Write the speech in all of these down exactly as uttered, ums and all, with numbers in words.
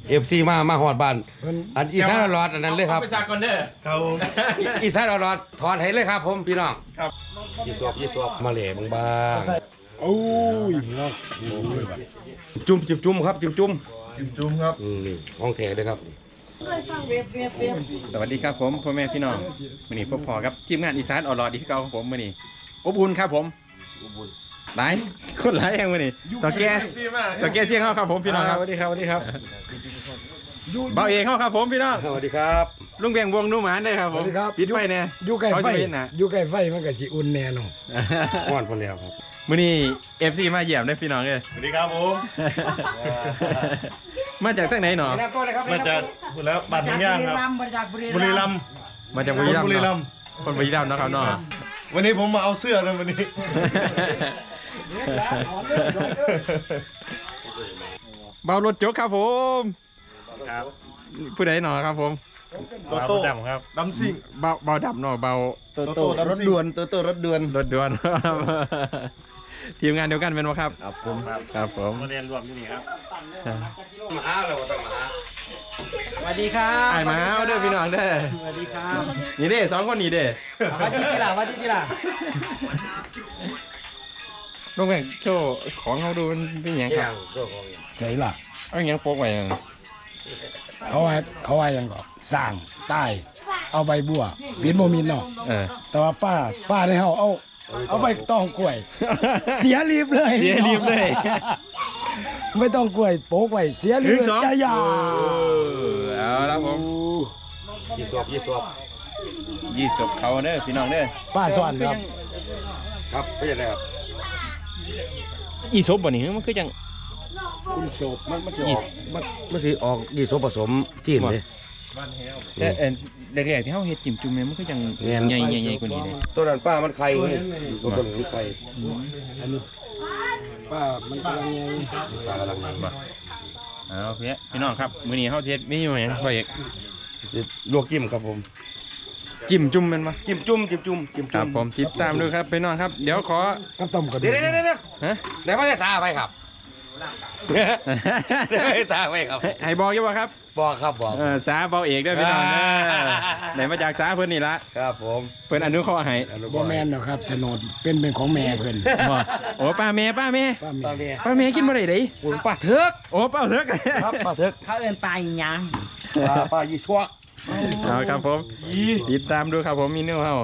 เอฟซีมามาหอดบ้านอันอีสานรอดอันนั้นเลยครับไปซาก่อนเด้อครับอีสานรอดถอดให้เลยครับผมพี่น้องครับยี่สวบยี่สวบมาเหล่บางบางโอ้ยเนาะจุ่มจุ่มจุ่มครับจุ่มจุ่มจุ่มจุ่มครับนี่ห้องแถเลยครับสวัสดีครับผมพ่อแม่พี่น้องมื้อนี้พบพอครับทีมงานอีสานอรอดอีกเก่าของผมมื้อนี้อบอุ่นครับผมหลายคนหลายแห่งมื้อนี้ต่อแก่ต่อแก่เชียงเฮาครับผมพี่น้องครับสวัสดีครับสวัสดีครับเบาเอกเฮาครับผมพี่น้องสวัสดีครับลุงแบงวงนุ่มหานได้ครับผมปิดไฟแน่อยู่ใกล้ไฟอยู่ใกล้ไฟมันก็สิอุ่นแน่นอนอ่อนพอแล้วครับมื้อนี้ เอฟ ซี มาเยี่ยมได้พี่น้องเด้อสวัสดีครับผมมาจากทางไหนหนอมาจากพูดแล้วบัตรทางย่างครับมาจากบุรีรัมย์มาจากบุรีรัมย์บุรีรัมย์คนบุรีรัมย์นะครับน้องวันนี้ผมมาเอาเสื้อเลยวันนี้เบารถโจ๊กครับผมผู้ใดหนอครับผมโตโต้ดำครับดำซิ่งเบาเบาดำหนอเบาโตโต้รถด่วนโตโต้รถด่วนรถด่วนทีมงานเดียวกันเป็นวะครับครับผมครับผมมาเรียนรวมที่นี่ครับมาหาเราต้องมาหาสวัสดีครับไอ้มาเด้อพี่น้องเด้อสวัสดีครับนี่เด้สองคนนี่เด้สวัสดีที่ล่ะสวัสดีที่ล่ะลุงแบงโชว์ของเขาดูเป็นยังครับใส่ล่ะเอาอย่างโป๊กไว้เขาว่าเขาว่ายังก็สร้างใต้เอาใบบัวบินโมมินเนาะแต่ว่าป้าป้าได้เฮาเอาเอาไปต้องกล้วยเสียรีบเลยเสียรีบเลยไม่ต้องกล้วยโป๊กไว้เสียรีบจะยาเอาละผมยี่สวบยี่สวบยี่สวบเขาเด้อพี่น้องเด้อป้าสอนครับครับไม่ใช่ครับยี่สวบบ่นี่มันคือจังคุณโศบมันมันสิออกมันมันสิออกยี่สวบผสมจีนเลยแต่เออแรกๆที่เขาเฮ็ดจิ้มจุ่มเนี่ยมันก็ยังใหญ่ใหญ่กว่านี้เลยตัวนั้นป้ามันไข่เลยตัวนั้นมันไข่อันนี้ป้ามันกำลังใหญ่ป้ากำลังใหญ่เอาพี่พี่น้องครับมื้อนี้เขาเฮ็ดเมนูหยังพ่อเอกลวกจิ้มครับผมจิ้มจุ่มมันมาจิ้มจุ่มจิ้มจุ่มจิ้มจุ่มครับผมติดตามด้วยครับพี่น้องครับเดี๋ยวขอกับต้มกันเดี๋ยวเดี๋ยวเดี๋ยวฮะไหนว่าจะซาไปครับเดี๋ยวให้ซาไปครับให้บอกยังบ่ครับบอกครับบอกเออสาเบาเอกด้วยพี่น้องไหนมาจากสาเพิ่นนี่ละครับผมเพิ่นอนุเคราะห์ให้บ่แม่นหรอกครับสนดเป็นเป็นของแม่เพิ่นโอ้ป้าแม่ป้าแม่ป้าแม่ป้าแม่กินบ่ได้เด้โอ้ป้าเถิกโอ้ป้าเถิกครับป้าเถิกเขาเอิ้นป้าอีหยังป้าป้ายี่ชัวเอาครับผมติดตามดูครับผมมีเนื้อเฮา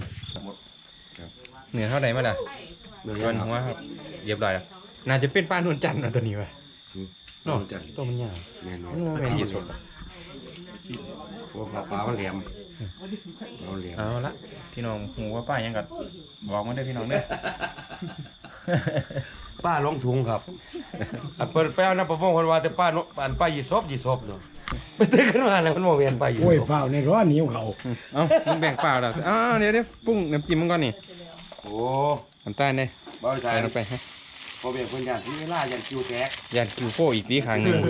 เนื้อเท่าไหร่มาล่ะเนื้อหัวครับเรียบร้อยแล้วน่าจะเป็นป้านวลจันทร์ตัวนี้ว่ะนอนจันตัวมันยาวแม่นแม่นยี่สดพวกปลามันแหลมเอาละพี่น้องหูว่าป้ายังกัดบอกมาได้พี่น้องเด้อป้าลงถุงครับอันเปิดแป้วนะประมงคนว่าแต่ป้าอันป้ายี่ซบยี่ซบเนาะไปตึกขึ้นมาแล้วมันโมเวียนป้ายี่โอ้ยฝ้าในร้อนเหนียวเขาเอ้ามึงแบ่งเปล่าแล้วอ้าวเดี๋ยวเดี๋ยวปรุงน้ำจิ้มมึงก่อนนี่โอ้น้ำตาลเนี่ยใส่ลงไปฮะพอเบียงคนยันที่เวลายันคิวแตกยันคิวโฟอีกทีครั้งหนึ่ง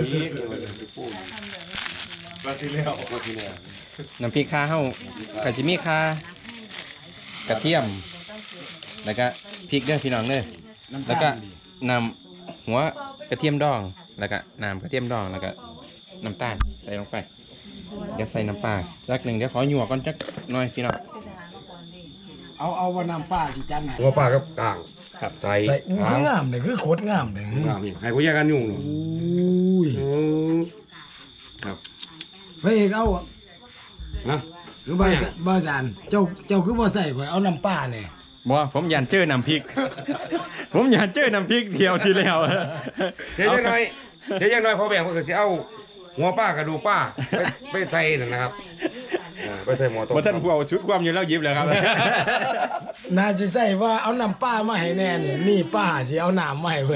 บราซิเลียบราซิเลียน้ำพริกข้าวเข้ากะจิมีข้ากระเทียมแล้วก็พริกเด้อพี่น้องเด้อแล้วก็นำหัวกระเทียมดองแล้วก็น้ำกระเทียมดองแล้วก็น้ำตาลใส่ลงไปเดี๋ยวใส่น้ำปลาสักหนึ่งเดี๋ยวขอหยวกก่อนจักหน่อยพี่น้องเอาเอาว่าน้ำปลาสิจันหัวปลากับกลางครับใส่ใส่อุ้ยงามเลยคือโคตรงามเลยงามนี่ให้กูแยกกันยุ่งอุ้ยครับพระเอกเอาฮะหรือบ่บ่จันเจ้าเจ้าคือบ่ใส่ข่อยเอาน้ำปลาเนี่ยบ่ผมยันเจอน้ำพริกผมยันเจอน้ำพริกเดียวทีแล้วเดี๋ยวยังไงเดี๋ยวยังไงพอแบ่งเพื่อจะเอาหัวป้ากระดูกป้าไปใส่นะครับไปใส่หม้อต้มว่าท่านผู้เอาชุดความอยู่แล้วยิบเลยครับน่าจะใส่ว่าเอาน้ำป้ามาให้แน่นนี่ป้าสิเอาน้ำมาให้เพิ่น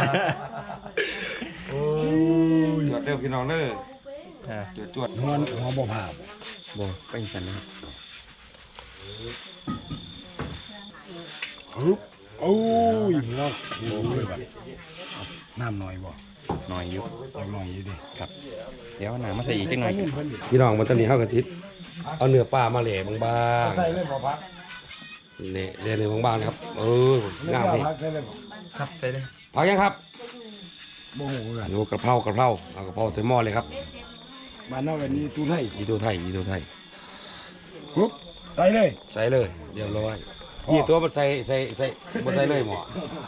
โอ้ยจวดเด้อพี่น้องเด้อจวดจวดหัวหัวบ่ผ่าบ่ไปอีกกันนะครับโอ้ยเนาะโอ้ยแบบน้ำหน่อยบ่หน่อยอยู่หน่อยอยู่ดิครับเดี๋ยวน้ำมาใส่อีกจังหน่อยพี่น้องมันตอนนี้เข้ากระชิดเอาเนื้อปลามาเหล่บางๆใส่เลยบ่พักเนี่ยเหล่เนื้อบางๆครับเอองามเลยพักใส่เลยบ่ครับใส่เลยพักยังครับโมโหกันโอ้กระเพรากระเพราเอากระเพราใส่หม้อเลยครับบ้านนอกกันนี่ตู้ไทยยีตัวไทยยีตัวไทยปุ๊บใส่เลยใส่เลยเรียบร้อยนี่ตัวมันใส่ใส่ใส่บ่ใส่เลยหมอ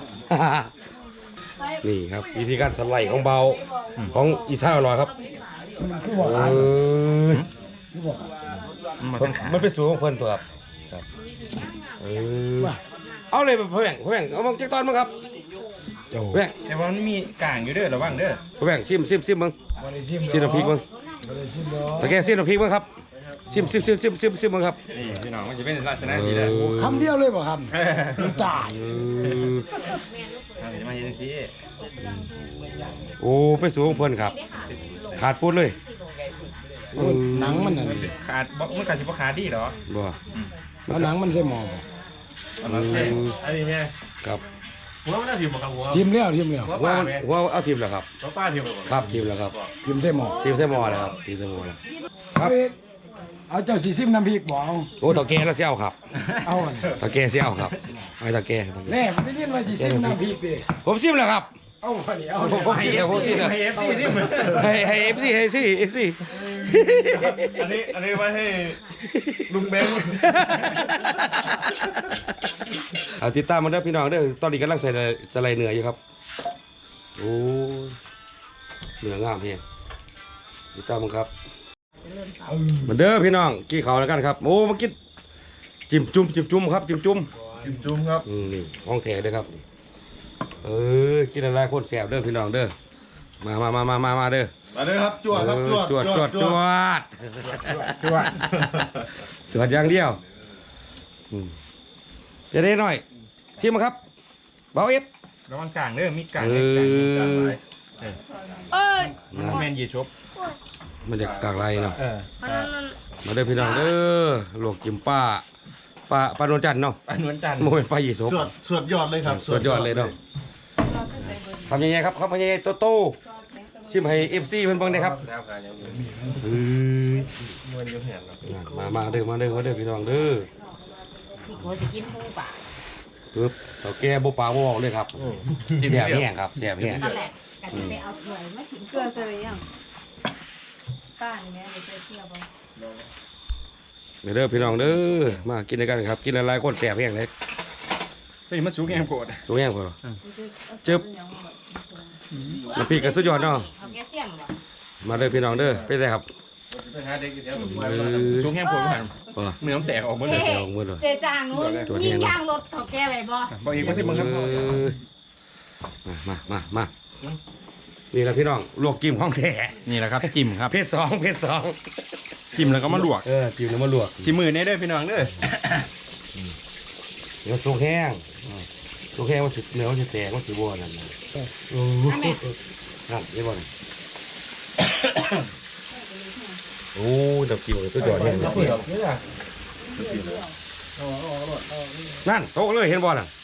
นี่ครับวิธีการสไลด์ของเบาของอีซ่าอร่อยครับมันคือบอกเออ่านอคือบอกอ่านมันเป็นสูตรของเพิ่นตัวครับครับเออเอาเลยเพื่อนเพื่อนเอามาจักตอนมั้งครับเจ้าเพื่อนแต่ว่ามันมีกลางอยู่เด้อระวังเด้อเพื่อนซิมซิมซิมมึงบริซิมซิมน้ำพริกมึงบริซิมเนาะตะแกซิมน้ำพริกมึงครับซิมซิมซิมซิมซิมซิมมึงครับนี่พี่น้องมันจะเป็นลักษณะสีเด้อคำเดียวเลยบ่ครับไม่ตายเออทำจะมาเห็นสิโอ้เป็นสูตรของเพิ่นครับ ขาดปุ๊ดเลยโอ้ยหนังมันน่ะนี่ขาดบ่มันขาดสิบ่ขาดดีเหรอบ่แล้วหนังมันใส่หม้อบ่เอามาใส่อันนี้แม่ครับหัวมันน่าถิ่มบ่ครับหัวทิมแล้วทิมแล้วหัวหัวป้ามันแม่หัวเอาทีมแล้วครับหัวป้าถิ่มบ่ครับทีมแล้วครับทิมใส่หม้อทีมเสมอแล้วครับทีมเสมอแล้วครับเอาอีกเอาเจ้าสีซิมน้ำพริกบ่เอาโอ้ตะแกแล้วเสี่ยวครับเอาอันตะแกเสี่ยวครับไอ้ตะแกแน่ผมได้ยินว่าสีซิมน้ำพริกดิผมซิมแล้วครับเอาพอดีเอาผมผมซิมแล้วผมซิมแล้วให้ เอฟ ซีสิให้ให้เอฟซีให้ซีเอฟซีอันนี้อันนี้ไว้ให้ลุงแบงค์เอาติดตามมาเด้อพี่น้องเด้อตอนนี้กำลังใส่สไลด์เนื้ออยู่ครับโอ้เนื้องามเพียงติดตามมันครับมาเด้อพี่น้องกี่เขาวแล้วกันครับโอ้มากินจิ้มจุ่มจิ้มจุ่มครับจิ้มจุ่มจิ้มจุ่มครับอืมนี่ห้องแถเด้อครับเออกินอะไรคนแสบเด้อพี่น้องเด้อมามามามามามาเด้อมาเลยครับจวดครับจวดจวดจวดจวดจวดจวดอย่างเดียวอืมจะได้หน่อยซิมครับเบาเอฟระวังกลางเด้อมีกลางเอเด้อกลางอไว้เอ้ยมันบ่แม่นยีชบมันจะกากไรเนาะเอออันนั้นนั่นมาเด้อพี่น้องเด้อลวกกิมป้าป้าป้าโนวลจันทร์เนาะปานนวลจันทร์โมเป็นป้ายีสบสวดสวดยอดเลยครับสุดยอดเลยเนาะทำยังไงครับทำยังไงโตโต้ซิมให้เอฟซีเพิ่นเบิ่งได้ครับแล้วกันยังมีเอ้ยมวนอยู่เห็นเนาะมามาเด้อมาเด้อมาเด้อพี่น้องเด้อที่เขาจะกินหูป่าปึ๊บเต่าแก่บ่ปากบ่เว้าเลยครับแซ่บแห้งครับแซ่บแห้งนั่นแหละกันจะไปเอาถ้วยมากินเกลือใส่หรือยังป้านี่แม่เดี๋ยวจะเที่ยวบ่เด้อพี่น้องเด้อมากินด้วยกันครับกินหลายๆคนแซ่บแห้งเลยเฮ้ยมันสูงแฮมโกรธตัวแห้งพอจึ๊บน้ำพริกก็สุดยอดเนาะเอาแกเสียมบ่มาเด้อพี่น้องเด้อเป็นไงครับไปหาเด็กอยู่แถวเออสูงแฮมโกรธผ่านบ่เนื้อมันแตกออกหมดเลยเจ๊เอาหมดเลยเจจางนู้นมีย่างรถเขาแกไปบ่บอกอีกว่าสิมึงครับเออมามามานี่แหละพี่น้องลวกกิมห้องแท้นี่แหละครับจิ้มครับเพศสองเพศสองจิ้มแล้วก็มาลวกเออจิ้มแล้วมาลวกชิมือเนี่ยเด้อพี่น้องเด้อเดี๋ยวสุกแห้งสุกแห้งมันสิเนื้อมันสิแตกมันสิบ่นั่นน่ะโอ้โหนั่นได้บ่น่ะโอ้ดับกิ้วสุดยอดแห้งเลยนั่นโตะเลยเห็นบ่น่ะ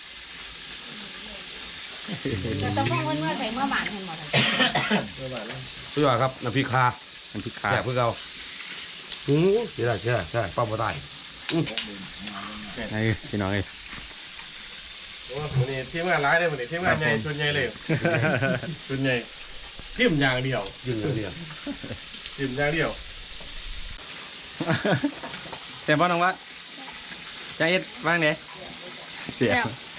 จะต้องมองเมื่อใส่เมื่อหมานเห็นบ่สุดยอดครับน้ำพริกคาน้ำพริกขาแซ่บคือเก่าหือใช่ได้ใช่ได้ใช่ป้าบ่ตายไอ้พี่น้องเอ้ยวันนี้ทีมงานร้ายเลยวันนี้ทีมงานใหญ่ชุดใหญ่เลยชุดใหญ่ทิมอย่างเดียวยืนอย่างเดียวทิมอย่างเดียวแต่บ่น้องวะใจเอ็ดว่างเด้เสีย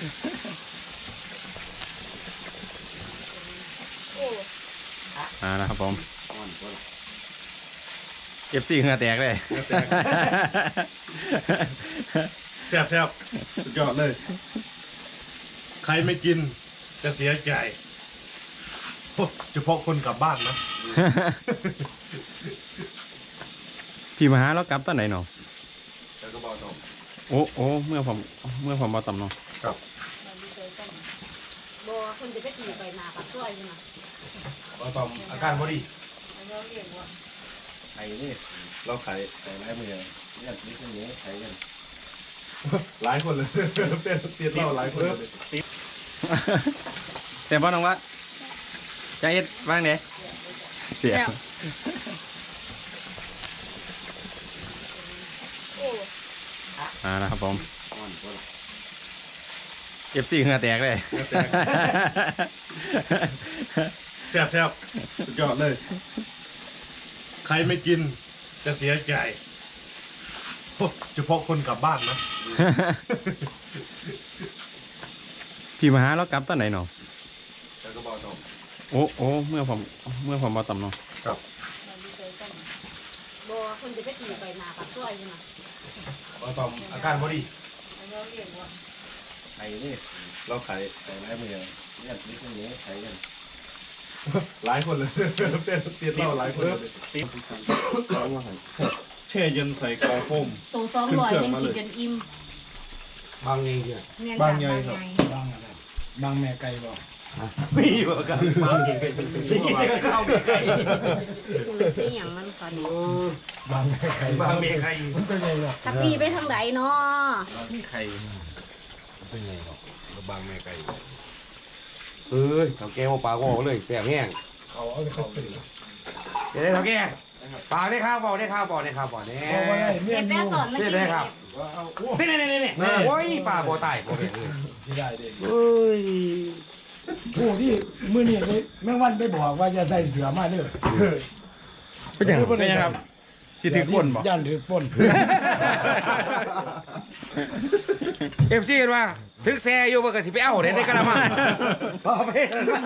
อ่านะครับผม เอฟซีเหงื่อแตกเลยแซ่บแซ่บสุดยอดเลย ใครไม่กินจะเสียใจโอ้เฉพาะคนกลับบ้านนะพี่มาหาแล้วกลับตอนไหนเนาะแล้วก็บอกน้องโอ้โอ้เมื่อผมเมื่อผมมาต่ำเนาะบ่คนจะไปตีไปนาปักซอยใช่มั้ยบ่ตอมอาการบ่ดีไข่นี่เราไข่ไข่ไร้มือเนี่ยนี่คือนี้ไข่กันหลายคนเลยเปลี่ยนเปลี่ยนเล่าหลายคนเลยแต่บ่น้องวะใจเอ็ดว่างเด้เสียอ่านะครับผม เอฟซีเหงื่อแตกเลยแซ่บแซ่บสุดยอดเลย ใครไม่กินจะเสียใจโอ้เฉพาะคนกลับบ้านนะพี่มาหาแล้วกลับตอนไหนเนาะแล้วก็บอกต่อโอ้โอ้เมื่อผมเมื่อผมมาต่ำเนาะครับบ่คนจะไปตีไปนาปากซอยใช่ไหมบ่ตอมอาการบ่ดีไข่นี่เราไข่ไข่ไร้มือเนี่ยนี่คนนี้ไข่กันหลายคนเลยเปลี่ยนเปลี่ยนเราหลายคนเลยแช่เย็นใส่กล่องโฟมตัวสองร้อยยังกินกันอิ่มบางเองเนี่ยแม่นบางใหญ่ครับบางอะไรบางแม่ไก่บ่มีบ่กันบางเองก็เข้าไปไกลกูเลยสิหยังมันก่อนบางแม่ไก่บางเมใครมันตัวใหญ่เนาะถ้าพี่ไปทางใดเนาะไข่ตัวใหญ่เนาะบางเมไกลเอ้ยเขาแก้วปลาก็เลยแซ่บแห้งเขาเอาเขาตื่นเดี๋ยวได้เขาแก้ปลาได้ข้าวบ่ได้ข้าวบ่ได้ข้าวบ่แน่เพราะว่าได้เมียเก็บอแป้ยู่สอนมากินได้ครับว่าเอาโอ้นี่นี่นี่นี่โอ้ยปลาบ่ตายบ่เป็นเลยที่ได้เด้เอ้ยผู้ที่มื้อนี้เลยแม่งวันไปบอกว่าจะได้เสือมาเด้อเป็นยังเป็นยังครับที่ถือก้นบ่ย่านถือก้นเอฟซีกันว่าถึกแซ่อยู่บ่ก็สิไปเอาได้ในกระมังพอไป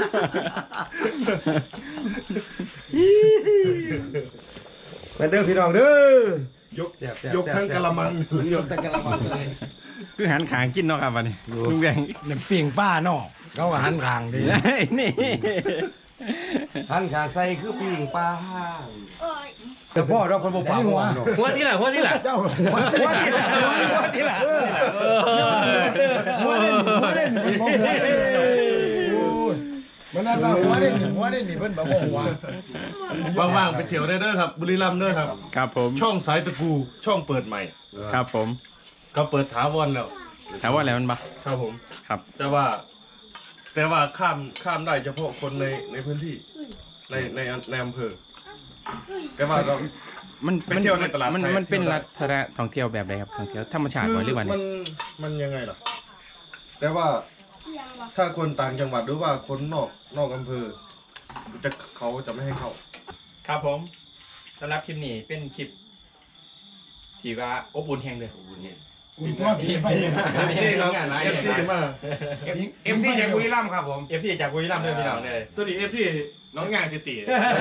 เป็นเด้อพี่น้องเด้อยกยกทั้งกะละมังยกทั้งกระมังเลยคือหันขางกินเนาะครับวันนี้ลุงแดงน้ำปิ้งป้าเนาะเขาก็หันข้างดีนี่หันขางใส่คือปิ้งปลาโอ้ยแต่พ่อเราคนบ่ปลาหัวหัวที่ไหนหัวที่ไหนเจ้าหัวที่ละหัวที่ละหัวเด่นหัวเด่นหัวเด่นโอ้ยมันนั่นว่าหัวเด่นนี่หัวเด่นนี่เพิ่นบอกว่าหัวว่างๆไปเที่ยวได้เด้อครับ บุรีรัมย์เด้อครับครับผมช่องสายตะกูช่องเปิดใหม่ครับผมก็เปิดถาวรแล้วถามว่าอะไรมันบ่ครับผมครับแต่ว่า แต่ว่าข้ามข้ามได้เฉพาะคนในในพื้นที่ ในในในอำเภอแต่ว่าเรามันไปเที่ยวในตลาดมันไทยมันเป็นเที่ยวได้ลักษณะท่องเที่ยวแบบไหนครับท่องเที่ยวธรรมชาติบ่หรือว่ามันมันยังไงล่ะ แต่ว่าถ้าคนต่างจังหวัดหรือว่าคนนอกนอกอำเภอ จะเขาจะไม่ให้เข้าครับผมสำหรับคลิปนี้เป็นคลิปที่ว่าอบอุ่นแห่งเลยอุ่นตัวผีไปเลยนะเอฟซีครับเอฟซีมาเอฟซีจากบุรีรัมย์ครับผมเอฟซีจากบุรีรัมย์เลยพี่น้องเลยตัวนี้เอฟซีน้องงานสิติ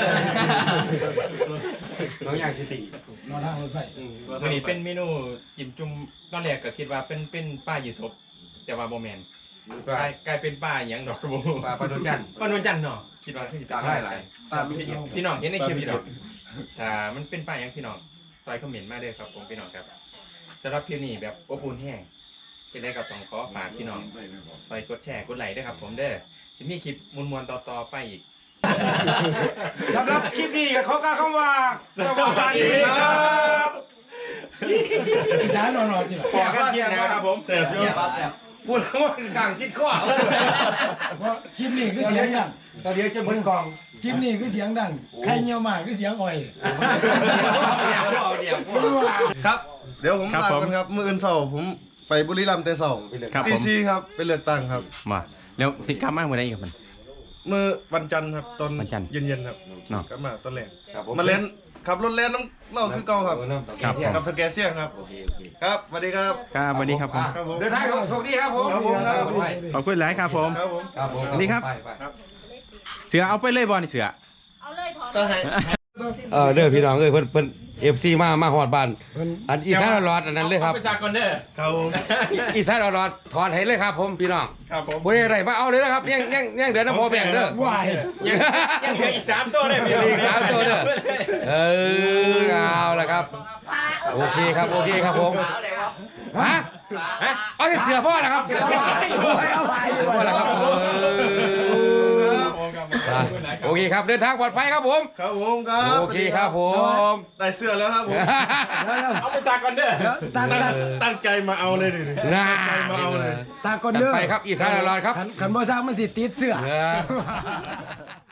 น้องอยากสิตินอนทางรถไฟวันนี้เป็นเมนูจิ้มจุ่มตอนแรกก็คิดว่าเป็นเป็นป้ายีสบแต่ว่าโบแมนกลายกลายเป็นป้าหยังดอกกระโบปลาปลาโดนจันทร์ป้านวลจันทร์เนาะคิดว่าคือตาได้หลายตามพี่พี่น้องเห็นในคลิปพี่น้องถ้ามันเป็นป้าหยังพี่น้องซอยคอมเมนต์มาเด้อครับผมพี่น้องครับสำหรับคลิปนี้แบบอบอุ่นแห้งเป็นได้กับต้องขอฝากพี่น้องซอยกดแชร์กดไลค์ด้วยครับผมเด้อจะมีคลิปมวลๆต่อๆไปอีกสำหรับคลิปนี้ก็ขอกล่าวคำว่าสวัสดีครับอีสานนอนๆที่ไหนขอกันเที่ยงนะครับผมแซ่บเยอะพูดแล้วว่าต่างคิดข้อเพราะคลิปนี้คือเสียงดังตอนเดียวจะมึนกองคลิปนี้คือเสียงดังใครเงียวมากคือเสียงอ่อยเดี๋ยวเอาเดี๋ยวครับ เดี๋ยวผมลากันครับมื้ออื่นเสาร์ผมไปบุรีรัมย์แต่เสาร์ครับผดีมซีครับไปเลือกตั้งครับมาแล้วสิกลับมาเมื่อไหร่ครับมันมื้อวันจันทร์ครับตอนวันจันทร์เย็นๆครับเนาะกลับมาตอนแรกครับผมมาเล่นขับรถเล่นน้ำเล่าคือเก่าครับครับกับสแกเซียงครับโอเคโอเคครับสวัสดีครับครับสวัสดีครับผมครับผมเดินทางครับสวัสดีครับผมครับผมครับขอบคุณหลายครับผมครับผมครับผมสวัสดีครับไปไปเสือเอาไปเลยบอลนี่เสือเอาเลยถอนก็ให้เออเด้อพี่น้องเอ้ยเพิ่นเพิ่นเอฟซีมามาฮอดบ้านเพิ่นอันอีสานรอดอันนั้นเลยครับไปซาก่อนเด้อครับผมอีสานรอดถอนให้เลยครับผมพี่น้องครับผมบ่ได้อะไรมาเอาเลยนะครับยังยังยังเดี๋ยวน้ำพอแบ่งเด้อวายยังยังเหลืออีกสามตัวเลยพี่อีกสามตัวเด้อเออเอาละครับปลาโอเคครับโอเคครับผมฮะเอาแต่เสือพ่อนะครับเสือพ่อเอาไปพ่อแล้วครับเอออ่ะโอเคครับเดินทางปลอดภัยครับผมครับผมครับโอเคครับผมได้เสื้อแล้วครับผมเอาไปซาก่อนเด้อสั่งสั่งตั้งใจมาเอาเลยดิน่ามาเอาเลยสั่งก่อนเด้อไปครับอีสานรอดครับขันขันบ่สั่งมันสิติดเสื้อเออ